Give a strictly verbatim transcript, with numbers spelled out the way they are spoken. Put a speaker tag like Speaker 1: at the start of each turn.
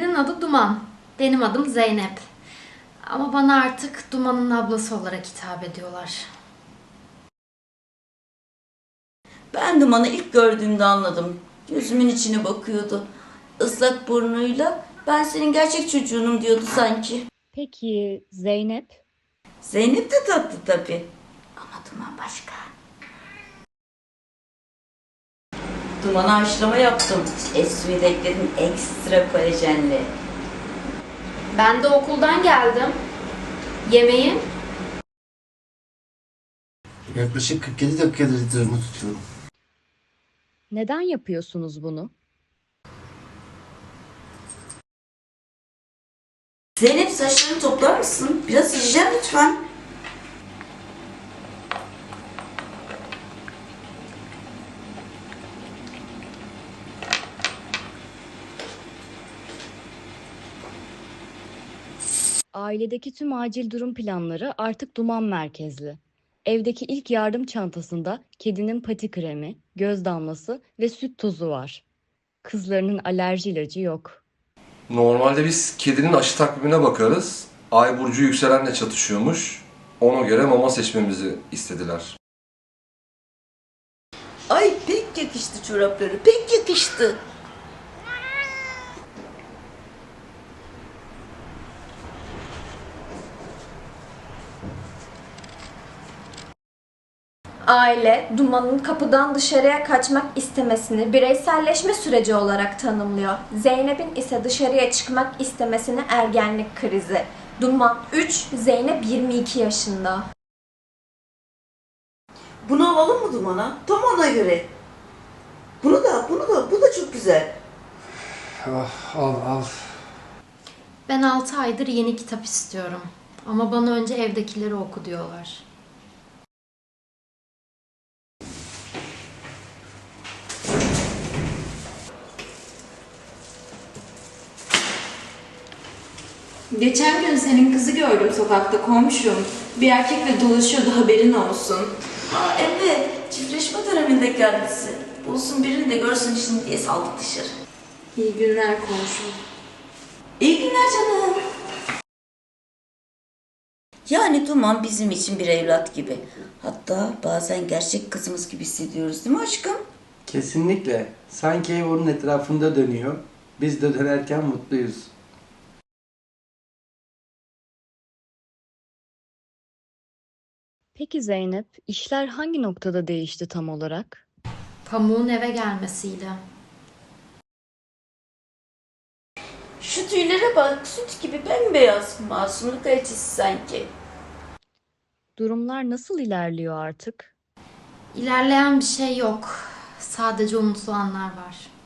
Speaker 1: Senin adı Duman. Benim adım Zeynep. Ama bana artık Duman'ın ablası olarak hitap ediyorlar.
Speaker 2: Ben Duman'ı ilk gördüğümde anladım. Gözümün içine bakıyordu. Islak burnuyla ben senin gerçek çocuğunum diyordu sanki.
Speaker 3: Peki Zeynep?
Speaker 2: Zeynep de tatlı tabii. Ama Duman başka. Duman'a haşlama yaptım. Et suyu da ekledim ekstra kolajenli.
Speaker 1: Ben de okuldan geldim. Yemeğin?
Speaker 4: Yaklaşık kırk yedi dakikadır litrimi tutuyorum.
Speaker 3: Neden yapıyorsunuz bunu?
Speaker 2: Zeynep saçlarını toplar mısın? Biraz hijyen lütfen.
Speaker 3: Ailedeki tüm acil durum planları artık Duman merkezli. Evdeki ilk yardım çantasında kedinin pati kremi, göz damlası ve süt tozu var. Kızlarının alerji ilacı yok.
Speaker 5: Normalde biz kedinin aşı takvimine bakarız. Ay burcu yükselenle çatışıyormuş. Ona göre mama seçmemizi istediler.
Speaker 2: Ay pek yakıştı çorapları. Pek yakıştı.
Speaker 6: Aile, Duman'ın kapıdan dışarıya kaçmak istemesini bireyselleşme süreci olarak tanımlıyor. Zeynep'in ise dışarıya çıkmak istemesini ergenlik krizi. Duman üç, Zeynep yirmi iki yaşında.
Speaker 2: Bunu alalım mı Duman'a? Tam ona göre. Bunu da, bunu da, bu da çok güzel.
Speaker 4: Ah, al al.
Speaker 1: Ben altı aydır yeni kitap istiyorum. Ama bana önce evdekileri oku diyorlar.
Speaker 7: Geçen gün senin kızı gördüm sokakta komşum. Bir erkekle dolaşıyordu haberin olsun.
Speaker 2: Aa evet, çiftleşme döneminde kendisi. Bulsun birini de görsün şimdi diye saldık dışarı.
Speaker 7: İyi günler komşum.
Speaker 2: İyi günler canım. Yani Duman bizim için bir evlat gibi. Hatta bazen gerçek kızımız gibi hissediyoruz değil mi aşkım?
Speaker 8: Kesinlikle. Sanki ev onun etrafında dönüyor. Biz de dönerken mutluyuz.
Speaker 3: Peki Zeynep, işler hangi noktada değişti tam olarak?
Speaker 1: Pamuğun eve gelmesiyle.
Speaker 2: Şu tüylere bak, süt gibi bembeyaz. Masumluk elçisi sanki.
Speaker 3: Durumlar nasıl ilerliyor artık?
Speaker 1: İlerleyen bir şey yok. Sadece unutulanlar var.